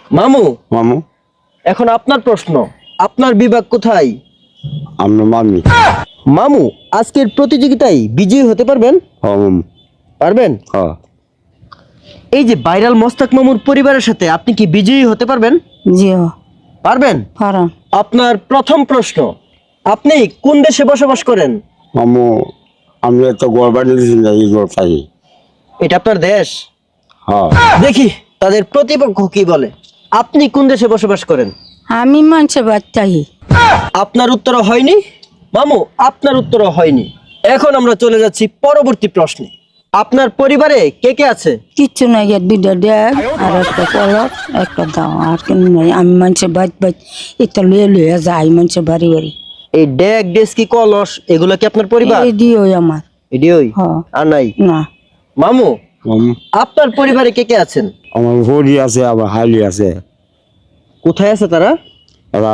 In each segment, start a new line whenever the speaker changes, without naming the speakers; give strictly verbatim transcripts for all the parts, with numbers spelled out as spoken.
মামু
মামু
এখন আপনার প্রশ্ন, আপনার বিভাগ কোথায়?
আমরা মামি
মামু আজকের প্রতিযোগিতায় বিজয়ী হতে পারবেন?
হম
পারবেন?
হ্যাঁ
এই যে ভাইরাল মোস্তাক মামুর পরিবারের সাথে আপনি কি বিজয়ী হতে পারবেন?
জি
পারবেন?
পারা
আপনার প্রথম প্রশ্ন, আপনি কোন দেশে বসবাস করেন?
মামু আমি একটা গড় বানিয়েছি না এই গড় পাই
এটা আপনার দেশ?
হ্যাঁ
দেখি তাদের প্রতিপক্ষ কি বলে। আপনি কোন দেশে বসবাস করেন?
আমি মানুষের বাচ্চাই
আপনার উত্তর হয়নি মামু, আপনার উত্তর হয়নি। এখন আমরা চলে যাচ্ছি পরবর্তী প্রশ্নে। আপনার পরিবারে কে কে আছে?
কিচ্ছু নাই, এর দুইটা ড্যাগ আর একটা কলস একটা দাও, আর কেন নাই। আমি মানুষের বাদ বাদ এটা লুয়ে লুয়ে যাই মানুষের বাড়ি বাড়ি।
এই ডেক ডেস্কি কলস এগুলো কি আপনার পরিবার?
এই দিও আমার।
এডিওই
হ্যাঁ।
আর নাই?
না
মামু
মামু
আপনার পরিবারে কে কে আছেন?
আমার হরি আছে আবার হালি আছে
কোথায় আছে তারা?
এরা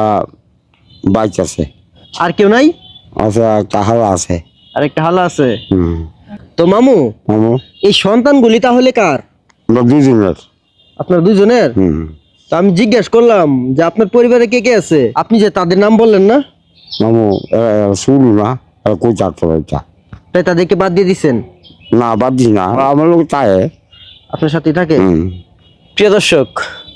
বাইক আছে
আর কেউ নাই?
আছে একটা হালা আছে
আরেকটা হালা আছে।
হুম
তো মামু
মামু
এই সন্তানগুলি তাহলে কার?
আমরা দুজনের
আপনার দুজনের?
হুম
তো আমি জিজ্ঞেস করলাম যে আপনার পরিবারে কে কে আছে, আপনি যে তাদের নাম বললেন না,
মামু এরা এরা শুরু না এরা কই চারটা বাচ্চা
তাই তাদেরকে বাদ দিয়ে দিচ্ছেন?
না বাদ দিস না আমার লোক তাই
আপনার সাথেই থাকে?
হুম
প্রিয় দর্শক,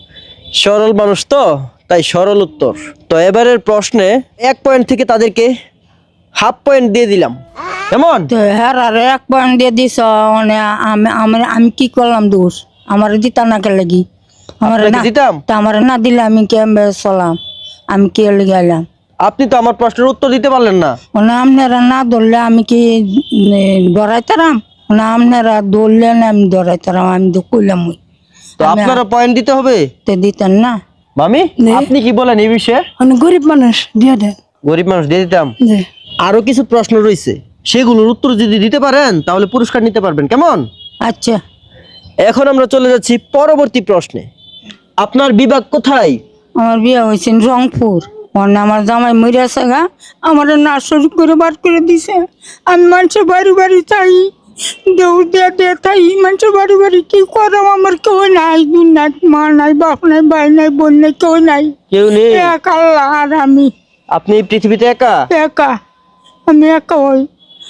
সরল মানুষ তো তাই সরল উত্তর। তো এবারের প্রশ্নে এক পয়েন্ট থেকে তাদেরকে হাফ পয়েন্ট দিয়ে দিলাম, কেমন?
তো হ্যাঁ আর এক পয়েন্ট দিয়ে দিস মানে আমি আমার আমি কি করলাম দোষ? আমার দিতা না কে লাগি আমার
আপনাকে
না
দিতাম?
তা আমার না দিলে আমি কেমবে চলাম? আমি কে লেগে এলাম?
আপনি তো আমার প্রশ্নের উত্তর দিতে পারলেন না।
মানে আপনারা না ধরলে আমি কি ধরাইতারাম? না আপনারা ধরলে না আমি ধরাইতারাম? আমি তো কইলাম ওই
তো আপনারা পয়েন্ট দিতে হবে।
তো দিতেন না।
মামি আপনি কি বলেন এই বিষয়ে?
মানে গরিব মানুষ দিয়ে দেন।
গরিব মানুষ দিয়ে দিতাম।
জি
আরো কিছু প্রশ্ন রয়েছে, সেগুলোর উত্তর যদি দিতে পারেন তাহলে পুরস্কার নিতে পারবেন, কেমন?
আচ্ছা।
এখন আমরা চলে যাচ্ছি পরবর্তী প্রশ্নে। আপনার বিভাগ কোথায়?
আমার বিয়ে হয়েছে রংপুর। মানে আমার জামাই মরে আছে গা, আমার নার্সারি করে বার করে দিছে। আমি মানুষের বাড়ি বাড়ি চাই, দৌড় দিয়ে দিয়ে তাই মানুষের বাড়ি বাড়ি কি করাম? আমার কেউ নাই, দুনিয়ার মা নাই, বাপ নাই, ভাই নাই, বোন নাই, কেউ নাই।
কেউ নেই?
এক আল্লাহ আর আমি
আপনি এই পৃথিবীতে একা?
একা, আমি একা হই।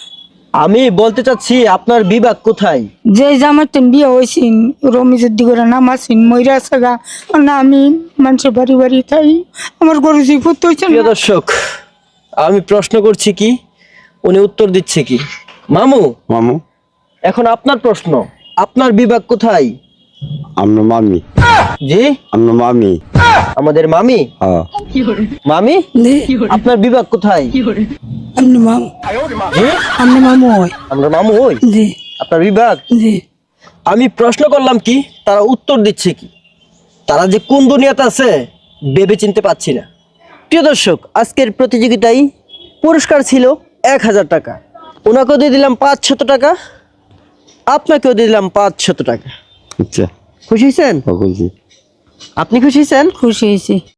আমি বলতে চাচ্ছি আপনার বিভাগ কোথায়?
যে জামাইতেন বিয়ে হয়েছিন রমিজের দিকে নাম আসিন ময়রা আছে গা, না আমি মানুষের বাড়ি বাড়ি তাই আমার গরু জিপুত হয়েছে।
প্রিয় দর্শক, আমি প্রশ্ন করছি কি, উনি উত্তর দিচ্ছে কি। মামু
মামু
এখন আপনার প্রশ্ন, আপনার বিভাগ কোথায়?
আমরা মামি
জি
আমরা মামি
আমাদের মামি।
হ্যাঁ
মামি আপনার বিভাগ কোথায়?
আপনি মামু?
জি
আপনি মামু হয়?
আমরা মামু হই।
জি
আপনার বিভাগ?
জি।
আমি প্রশ্ন করলাম কি, তারা উত্তর দিচ্ছে কি। তারা যে কোন দুনিয়াতে আছে ভেবে চিনতে পারছি না। প্রিয় দর্শক, আজকের প্রতিযোগিতায় পুরস্কার ছিল এক হাজার টাকা। ওনাকেও দিয়ে দিলাম পাঁচ শত টাকা, আপনাকেও দিয়ে দিলাম পাঁচ শত টাকা।
আচ্ছা
খুশি হয়েছেন?
খুশি
আপনি খুশি হয়েছেন?
খুশি হয়েছি।